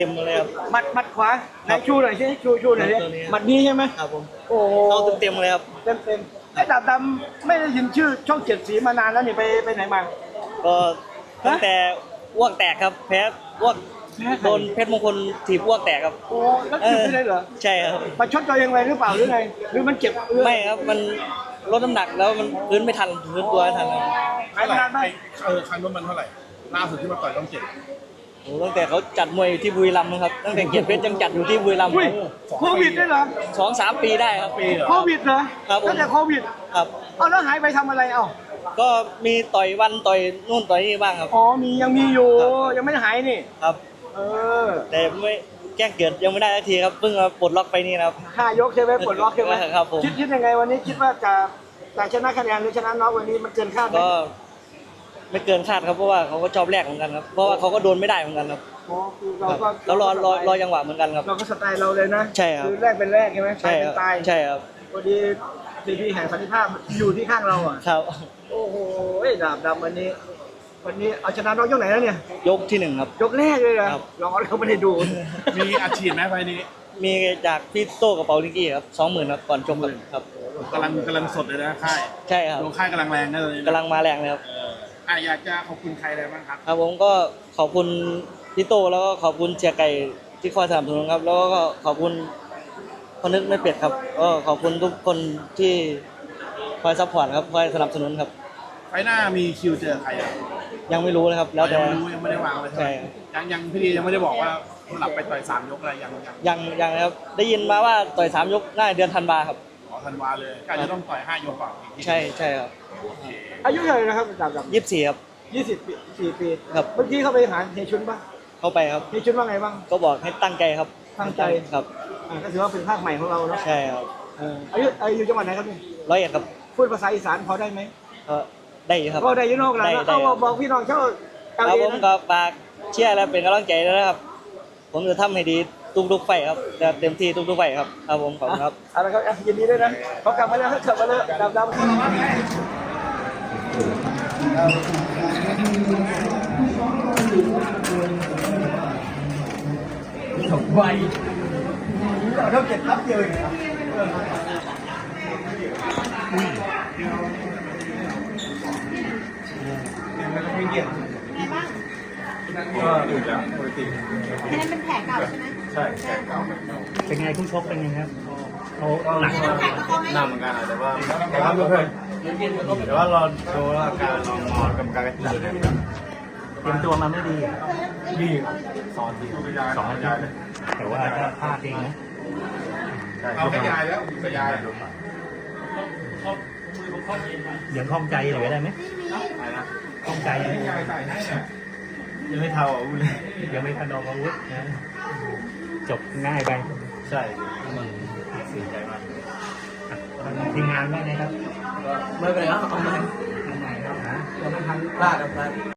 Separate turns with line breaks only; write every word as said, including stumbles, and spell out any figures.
เต็มเลยครับ
หมัดหมัดขวาไหนชูหน่อยสิชูชูหน่อยสิหมัดนี้ใช่ไหม
ครับผม
โอ้โห
เข้าเต็มเลยครับ
เต็มเต็มไอ้ดาบดำไม่ได้ยินชื่อช่องเจ็ดสีมานานแล้วนี่ไปไปไหนมา
ก็ตั้งแต่อ้วกแตกครับแพ้อ้วกโดนเพชรมงคลถีบอ้วกแตกครับ
โอ้แล้วถีบไม่ได้เหรอ
ใช่ครับ
มาชดตัวยังไงหรือเปล่าหรือไงหรือมันเจ็บ
ไม่ครับมันลดน้ำหนักแล้วมันพื้นไม่ทันพื้นตัวไม่ทันเลย
หายนานไหม
เออคันว่ามันเท่าไหร่ล่าสุดที่มาต่อยต้องเจ็ด
โอ้ตั้งแต่เขาจัดมวยอยู่ที่บุรีรัมย์ครับตั้งแต่เกียรติเพชรยังจัดอยู่ที่บุรีรัมย์
โควิดได้เหรอ
สองสามปีได้ครับ
โควิดเหรอ
ครับ
ตั้งแต่โควิด
ครับ
เอาแล้วหายไปทำอะไรเอ้า
ก็มีต่อยวันต่อยนู่นต่อยนี่บ้างครับ
อ๋อมียังมีอยู่ยังไม่หายนี่
ครับ
เออ
แต่ไม่แจ้งเกิดยังไม่ได้ทันทีครับเพิ่งมาปลดล็อกไปนี่นะครับ
ห้ายกใช่ไหมปลดล็อกใช่ไหม
ครับผม
คิดคิดยังไงวันนี้คิดว่าจะจะชนะคะแนนหรือชนะน็อกวันนี้มันเกินคาดไหม
ก็ไม่เกินคาดครับเพราะว่าเขาก็ชอบแรกเหมือนกันครับเพราะว่าเขาก็โดนไม่ได้เหมือนกันครับ
อ๋อคือเราก็
แล้วรอรอรอจังหวะเหมือนกันครับ
เราก็สไตล์เราเลยนะ
ใช่ครับ
คือแรกเป็นแรกใช่ไหม
ใช่ครับใช่ครับ
พอดีทีพีแห่งสันติภาพอยู่ที่ข้างเราอ่ะ
ครับ
โอ้โหดาบดำวันนี้วันนี้เอาชนะน้องยกไหนแล้วเนี่ย
ยกที่หนึ่งครับ
ยกแรกเลยเหรอเราเขาไม่ได้ดู
มีอาชีพไหมไฟนี้
มีจากพี่โต้กับเปาลิงกี้ครับสองหมื่นครับก่อนชมครับ
กำลังกำลังสดเลยนะค่าย
ใช่ครับ
ลงค่ายกำลังแรงเลย
กำลังมาแรงเลยครับ
อ่าอยากจะขอบคุณใครอะไรบ้างครับ
ครับผมก็ขอบคุณพี่โต้แล้วก็ขอบคุณเชียร์ไก่ที่คอยสนับสนุนครับแล้วก็ขอบคุณพนึกไม่เป็ดครับก็ขอบคุณทุกคนที่คอยซัพพอร์ตครับคอยสนับสนุนครับ
ไฟหน้ามีคิวเจอใครอ่ะ
ยังไม่รู้เลยครับแล้วแต่
ยังไม่รู้ยังไม่ได้วางเลยใช่ยังยังพี่ดียังไม่ได้บอกว่าหลับไปต่อยสามยกอะไรยัง
ยังยังครับได้ยินมาว่าต่อยสามยกน่าเดือนธันวาครับ
อ๋อธันวาเลยก็จะต้องต่อยห้ายกก่อน
ใช่ใช่ครับ
อายุเท่าไหร่นะครับดาบดำ
ยี่สิบสี่ครับ
ยี่สิบสี่ปี
ครับ
เมื่อกี้เขาไปหาเฮชุนป่ะ
เข้าไปครับ
เฮชุนว่าไงบ้าง
ก็บอกให้ตั้งใจครับ
ตั้งใจ
ครับ
ก็ถือว่าเป็นภาคใหม่ของเราเนาะ
ใช่ครับ
อายุอายุจังหวัดไหนครับนี่
ร้อยเอ็ดครับ
พูดภาษาอีสานพอได้ไหม
ก็ได้ครับ
ก็ได้ยุโรปแล้วเอาบอกพี่น้องเช่า
ครับผมก็ฝากเชียร์และเป็นกำลังใจนะครับผมจะทำให้ดีทุกๆไฟครับจะเต็มที่ทุกๆไฟครับครับผมขอบคุณครับ
อะไรครับยินดีด้วยนะเขากลับมาแล้วเขากลับมาแล้วดำดำถกใบเราต้องเก็บรับเยอะครับไม่เกี่ยวก็อยู่แล้วปกติ
อันนั้นเป็นแผลเก่าใช่ไหม
ใช่แผลเก่า
เป็นไงคู่ชกเป็นไงครับเขาหนัก
หนักเหมือนกันแต่ว่าแต่ว่าเพื่อนแต่ว่าเราดูอาการลองมองกับการกระตุ้นเลย
เตรียมตัวมาไม่ดี
ดีสอนดี
สอนยายแต่ว่าถ้าพลาดเองนะ
เอาไปยายแล้วไปยาย
ยังคล่องใจหรือได้ไหมคล่องใจ
ยังไม่เท่าอาวุธเลย
ยังไม่ทันออกอาวุธนะจบง่ายไป
ใช่
เสียใจมากทีมงานว่าไงครับ
ไม่เป็นไรครับเอาใหม่
ทำไมครับนะ
เราไม่ทันพลาดครับ